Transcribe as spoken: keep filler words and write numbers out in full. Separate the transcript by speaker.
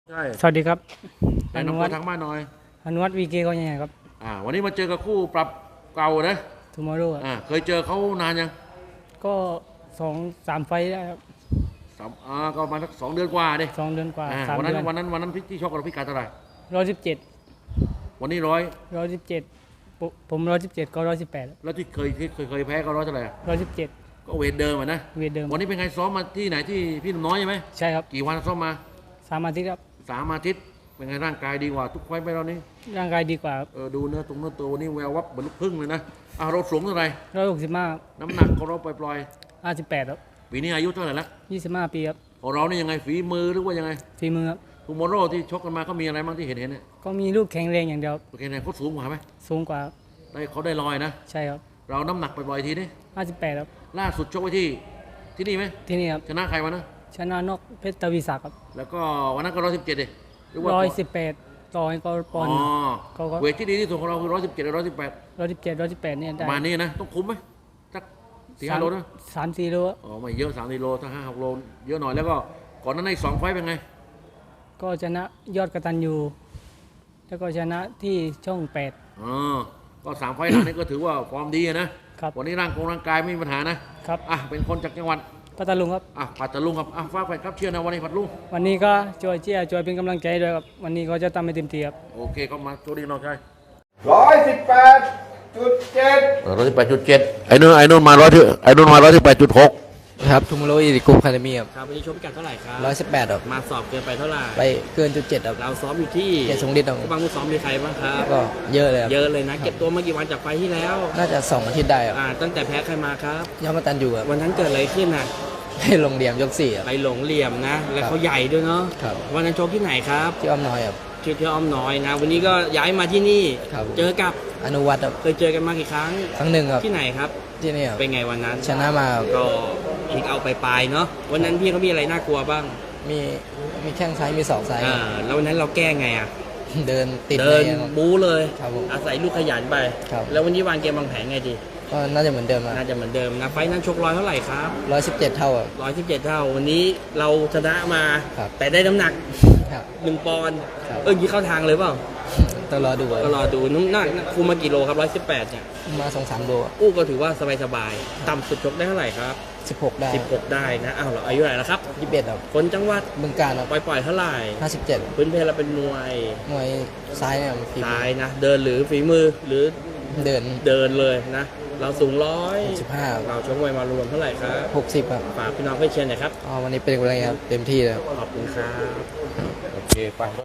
Speaker 1: ใช่
Speaker 2: สวัสดีครับ
Speaker 1: แนะนำตัวทางบ้านหน่อย
Speaker 2: อนุวัฒน์วีเกก็ยังไงครับ
Speaker 1: อ่าวันนี้มาเจอกับคู่ปรับเก่านะ
Speaker 2: ทูมอร์โร่
Speaker 1: อ่าเคยเจอเขานานยัง
Speaker 2: ก็สองสามไฟล์ได้ครับ
Speaker 1: สามอ่าก็มาสักสองเดือนกว่าดิ
Speaker 2: สองเดือนกว่า
Speaker 1: อ่า
Speaker 2: สาม
Speaker 1: วันนั้
Speaker 2: เดื
Speaker 1: น
Speaker 2: อน
Speaker 1: วันนั้นวันนั้นพี่ที่ชกกับพี่การเท่าไหร่
Speaker 2: ร้อยสิบเจ็ด
Speaker 1: วันนี้ร้อย
Speaker 2: ร้อยสิบเจ็ดผมร้อยสิบเจ็ดก็ร้อยสิบแปด
Speaker 1: แล้วที่เคยที่เคยเคยแพ้ก็ร้อยเท่าไหร่
Speaker 2: ร้อยสิบเจ็ด
Speaker 1: ก็เวทเดิมอ่ะนะ
Speaker 2: เวทเดิม
Speaker 1: วันนี้เป็นไงซ้อมมาที่ไหนที่พี่หนุ่มน้อยใช่ไหม
Speaker 2: ใช่ครับ
Speaker 1: กี่วันซ้อมมา
Speaker 2: สามอาทิตย์ครับ
Speaker 1: สามอาทิตย์เป็นไงร่างกายดีกว่าทุกไฟล์ไปแล้วนี่
Speaker 2: ร่างกายดีกว่า
Speaker 1: เออดูเนื้อตรงเนื้อตัววันนี้แวววับเหมือนลูกพึ่งเลยนะอ่าเราสูงเท่าไหร่
Speaker 2: ร้อยหกสิบห้า
Speaker 1: น้ำหนักของเราปล่อย
Speaker 2: ห้าสิบแปดครับ
Speaker 1: ๆปีนี้อายุเท่าไหร่ละ
Speaker 2: ยี่สิบห้าปีครับ
Speaker 1: ของเรานี่ยังไงฝีมือหรือว่ายังไง
Speaker 2: ฝีมือครับ
Speaker 1: ทูมอร์โร่ที่ชกกันมาก็มีอะไรบ้างที่เห็นเห็นเนี่ย
Speaker 2: ก็มีลูกแข็งแรงอย่างเดียว
Speaker 1: โอเคเนี่ยเขาสูงกว่าไหม
Speaker 2: สูงกว่า
Speaker 1: ได้เขาได้ลอยนะ
Speaker 2: ใช่ครับ
Speaker 1: เราน้ำหนักปล่อยๆทีนี้
Speaker 2: ห้าสิบแปดครับ
Speaker 1: ล่าสุดชกไว้ที่ที่นี่ไหม
Speaker 2: ที่นี่ครับ
Speaker 1: ชนะใครมานะ
Speaker 2: ชนะนอกเพชรตวีศักดิ์ครับ
Speaker 1: แล้วก็วันนั้นก็ร้อยสิบเจ็ดเลย
Speaker 2: ร้อยสิบแปดต่อให้ก็ปอนด์
Speaker 1: ก็เวทที่ดีที่สุดของเราคือร้อยสิบเจ็ดร้อยสิบแปด
Speaker 2: ร้อยสิบเจ็ดร้อยสิบแปดเนี่ยได้
Speaker 1: ประมาณนี้นะต้องคุ้มไหมสักสี่ห้าโลนะ
Speaker 2: สามสี่โล
Speaker 1: อ๋อไม่เยอะสามสี่โลถ้าห้าหกโลเยอะหน่อยแล้วก็ก่อนนั้นในสองไฟเป็นไง
Speaker 2: ก็ชนะยอดกตัญญูแล้วก็ชนะที่ช่องแปด
Speaker 1: อ๋อก็สามไฟหลังนี้ก็ถือว่าฟอร์มดีนะครับวันนี้ร่างกงร่างกายไม่มีปัญหานะครับอ่ะเป็นคนจากจังหวัด
Speaker 2: พัทลุงครับ
Speaker 1: อ่ะปัตตาลุงครับอ่ะฝากแฟนครับเชียร์นะวันนี้พัทลุง
Speaker 2: วันนี้ก็ช่วยเชียร์ช่วยเป็นกำลังใจด้วยครับวันนี้ก็จะทำให้เต็มที่ครับ
Speaker 1: โอเคก็มาโชคดีน้องชาย
Speaker 3: ร้อยสิบแปดจุดเจ็ด
Speaker 1: ร้อยสิบแปดจุดเจ็ดไอ้นู่นไอ้นู่นมาร้อยที่ไอ้นู่นมาร้อยสิบแปดจุดหก
Speaker 4: ครับทูมโรอีริกุมคาเดมี่ครับ
Speaker 5: ครับวันนี้ชกพิกัดเท่าไหร่ครับ
Speaker 4: ร้อยสิบแปดครับ
Speaker 5: มาสอบเกินไปเท่าไหร่
Speaker 4: ไปเกินจุดเจ็ดครับ
Speaker 5: เราซ้อมอยู่ที่
Speaker 4: เกียรติทรงฤทธิ์ครับ
Speaker 5: บางผู้ซ้อมมีใครบ้างครับ
Speaker 4: ก็เยอะเลยครับ
Speaker 5: เยอะเลยนะเก็บตัวมากี่วันจากไฟที่แล้ว
Speaker 4: น่าจะสองอาทิตย์ได้ครับ
Speaker 5: อ่าตั้งแต่แพ้ใครมาครับ
Speaker 4: ยอดมาตันอยู่ครับ
Speaker 5: วันนั้นเกิดอะไรขึ้นน่ะ
Speaker 4: ให้ลงเหลี่ยมยกสี่ครับ
Speaker 5: ไปหลงเหลี่ยมนะแล้วเขาใหญ่ด้วยเนาะ
Speaker 4: ครับ
Speaker 5: วันนั้นชกที่ไหนครับ
Speaker 4: ที่อ้อมน้อยครับ
Speaker 5: ชื่อที่อ้อมน้อยนะวันนี้ก็ย้ายมาที่นี่
Speaker 4: ครับ
Speaker 5: เจอกับ
Speaker 4: อนุวัฒน์ครับ
Speaker 5: เคยเจอกันมากี่ครั้ง
Speaker 4: ครั้งหนึ่งครับ
Speaker 5: ที่ไหนครับ
Speaker 4: ที่นี่ครับ
Speaker 5: เป็นไงวันนั้น
Speaker 4: ชนะมา
Speaker 5: ก็พลิกเอาไปปลายเนาะวันนั้นพี่เขามีอะไรน่ากลัวบ้าง
Speaker 4: มีมีแข้งซ้ายมีศอกซ้าย
Speaker 5: อ่าแล้ววันนั้นเราแก้ไงอ่ะ
Speaker 4: เดินติด
Speaker 5: เดินบู๊เลย
Speaker 4: ครับผม
Speaker 5: อาศัยลูกขยันไป
Speaker 4: ครับ
Speaker 5: แล้ววันนี้วางเกมวางแผนไงดี
Speaker 4: ก็น่าจะเหมือนเดิม
Speaker 5: น่าจะเหมือนเดิมนะไฟนั้นชกร้อยเท่าไหร่ครับ
Speaker 4: ร้อยสิบเจ็ดเท่าครับ
Speaker 5: ร้อยสิบเจ็ดเท่าวันนี้เราชนะมาแต่ได้น้ำหนักหนึ่งปอนด์เออยี่เข้าทางเลยเปล่า
Speaker 4: ต้องรอดู
Speaker 5: ก็รอดูน้ำหนักคุมมากี่โลครับร้อยสิบแปดเนี่ย
Speaker 4: มาสองสามโล
Speaker 5: อู้ก็ถือว่าสบายๆต่ำสุดชกได้เท่าไหร่ครับ
Speaker 4: สิบหกได้
Speaker 5: สิบหกได้นะอ้าวเราอายุเท่าไหร่แล้วครับ
Speaker 4: ยี่สิบเอ็ดครับ
Speaker 5: คนจังหวัด
Speaker 4: บึงกาฬครับ
Speaker 5: ปล่อยๆเท่าไหร่
Speaker 4: ห้าสิบเจ็ด
Speaker 5: พื้นเพเราเป็นมวย
Speaker 4: มวยซ้ายเนี่ยฝีมือ
Speaker 5: ซ้ายนะเดินหรือฝีมือหรือ
Speaker 4: เดิน
Speaker 5: เดินเลยนะเราสูงร้อย
Speaker 4: สิบห้า
Speaker 5: เราชกมวยมารวมเท่าไหร่ครับ
Speaker 4: หกสิบครับ
Speaker 5: ฝากพี่น้องเพื่อนเชียร์หน่อยครับ
Speaker 4: อ๋อวันนี้เป็นอะไรครับเต็มที่เลย
Speaker 5: ขอบคุณครับ
Speaker 1: โอเคไป